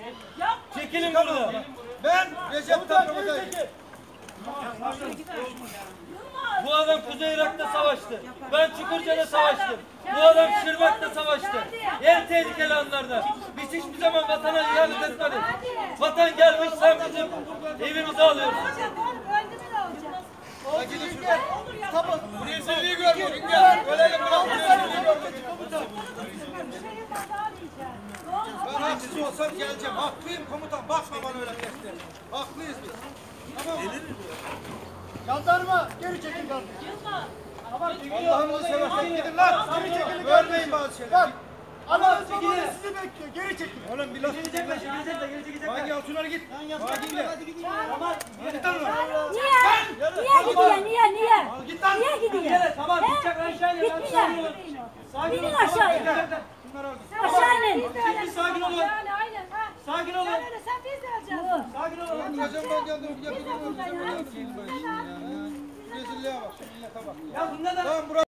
Çekilin burada. Ben Recep Tayyip Erdoğan. Bu adam Kuzey Irak'ta savaştı. Ben Çukurca'da savaştım. Bu adam Şırnak'ta savaştı. En tehlikeli anlarda. Biz hiçbir zaman vatana ihanet etmedik. Vatan gelmiş, sen bizim evimizi alıyorsun. Gidin şuradan. Tamam. Rezilliği görmedik. Gel. Ölelim bırak. Rezilliği görmedik. Ben haksız olsam geleceğim. Haklıyım komutan. Bakma bana öyle tehdit. Haklıyız biz. Tamam mı? Jandarma. Geri çekil jandarma. Allah'ını seversen gidin lan. Geri çekilin. Görmeyin bazı şeyler. Bak. Allah'ın zamanı sizi bekliyor. Geri çekilin. Oğlum bir laf. Hangi altınlara git. Hadi git. Tamam. Git lan. Niye gidiyor? Niye? Git lan. Niye gidiyor? Tamam gidecek aşağıya. Gitmiyor. İnin aşağıya. Aşağı inin. Bir sakin olun. Sakin olun. Sen biz de alacağız. Sakin olun. Hocam ben geldim. Rezilliğe bak. Millete bak. Ya bunda da Tamam.